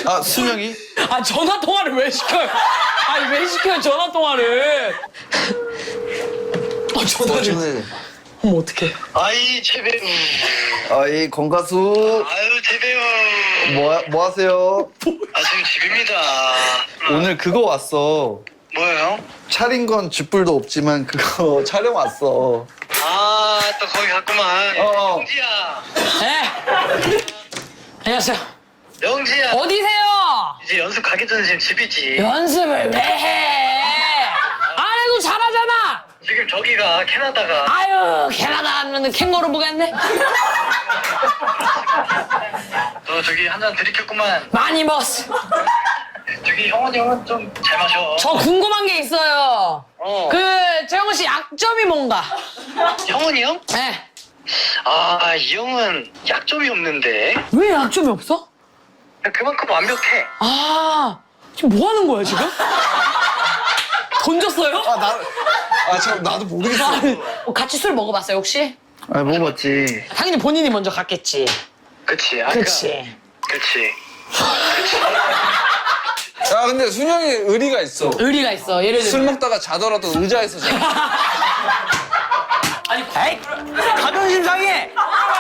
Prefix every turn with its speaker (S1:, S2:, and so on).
S1: 아, 수명이?
S2: 아, 전화 통화를 왜 시켜요? 아니, 왜 시켜요, 전화 통화를? 전화를. 어머, 어떡해.
S3: 아이 최배우.
S1: 아이, 건가수.
S3: 아유 최배우.
S1: 뭐 하세요?
S3: 아 지금 집입니다.
S1: 오늘 그거 왔어.
S3: 뭐예요?
S1: 차린 건 쥐뿔도 없지만 그거 촬영 왔어.
S3: 아 또 거기 갔구만.
S1: 어.
S3: 영지야.
S2: 네. 안녕하세요.
S3: 영지야.
S2: 어디세요?
S3: 이제 연습 가기 전에 지금 집이지.
S2: 연습을 왜 해? 안 해도 잘하잖아.
S3: 지금 저기가 캐나다가.
S2: 아유, 캐나다 하면 캥거루 보겠네.
S3: 너 저기 한 잔 들이켰구만.
S2: 많이 먹었어.
S3: 저기 형원이 형은 좀 잘 마셔.
S2: 저 궁금한 게 있어요. 재홍 씨 약점이 뭔가?
S3: 형원이 형?
S2: 네.
S3: 아 이 형은 약점이 없는데.
S2: 왜 약점이 없어?
S3: 그만큼 완벽해.
S2: 아, 지금 뭐 하는 거야, 지금? 던졌어요?
S1: 참, 나도 모르겠어.
S2: 같이 술 먹어봤어요, 혹시?
S1: 아, 먹었지.
S2: 당연히 본인이 먼저 갔겠지.
S3: 그치.
S2: 그치.
S3: 그치.
S1: 야, 근데 순영이 의리가 있어.
S2: 의리가 있어, 예를
S1: 술
S2: 들면.
S1: 먹다가 자더라도 의자에서 자.
S2: 아니, 에이, 자존심 상해!